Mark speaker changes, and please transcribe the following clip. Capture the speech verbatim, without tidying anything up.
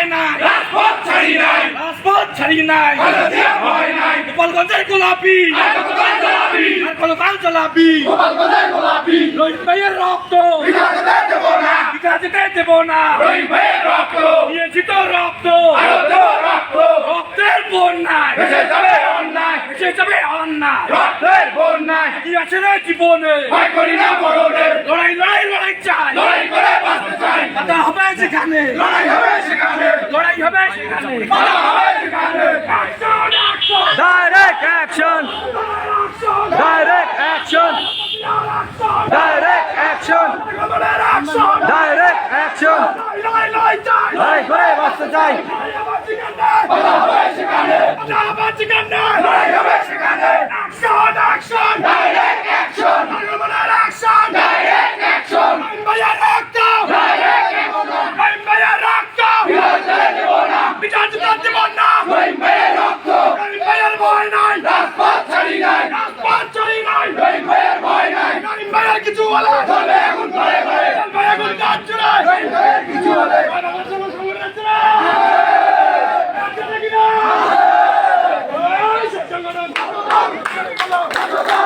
Speaker 1: নাই,
Speaker 2: রাজপথ ছাড়ি নাই,
Speaker 1: রাজপথ ছাড়ি নাই,
Speaker 2: গণজিয়া ভয় নাই,
Speaker 1: গোপালগঞ্জের গোলাপি
Speaker 2: আর কতকাল চালাবি,
Speaker 1: আর কতকাল চালাবি,
Speaker 2: গোপালগঞ্জের গোলাপি,
Speaker 1: রহিম ভাইয়ের রক্ত
Speaker 2: বিঘা যেতে দেব না,
Speaker 1: বিঘা যেতে দেব না,
Speaker 2: রহিম ভাইয়ের রক্ত,
Speaker 1: দিয়েছি তো রক্ত,
Speaker 2: আরো দেব রক্ত,
Speaker 1: রক্তের বন্যায়
Speaker 2: ভেসে যাবে অন্যায়,
Speaker 1: ভেসে যাবে অন্যায়,
Speaker 2: রক্তের বন্যায়,
Speaker 1: কি আছে রে জীবনে,
Speaker 2: ভয় করি না মরণের,
Speaker 1: লড়াই লড়াই লড়াই চাই,
Speaker 2: লড়াই করে বাঁচতে চাই,
Speaker 1: কথা হবে সেখানে,
Speaker 2: লড়াই হবে সেখানে,
Speaker 1: লড়াই হবে সেখানে,
Speaker 2: কথা হবে সেখানে, Action, action,
Speaker 1: direct action, direct action, direct action,
Speaker 2: action,
Speaker 1: direct action,
Speaker 2: লড়াই লড়াই চাই,
Speaker 1: লড়াই করে বাঁচতে চাই,
Speaker 2: কথা হবে সেখানে, লড়াই হবে সেখানে, Action, action, direct action, action, direct action, ভাইয়ার রক্ত, direct action, ভাইয়ার রক্ত, বিরাজতে দেব না, বিরাজতে দেব না, ভাইয়ার রক্ত, ভাইয়ার ভয় নাই, রাজপথ ছাড়ি নাই, রাজপথ ছাড়ি নাই, ভাইয়ার ভয় নাই, ভাইয়ার কিছু হলে চলে এখন ঘরে ঘরে, ভাইয়া এখন কাজ চলে, ভাইয়ার কিছু হলে সংগঠন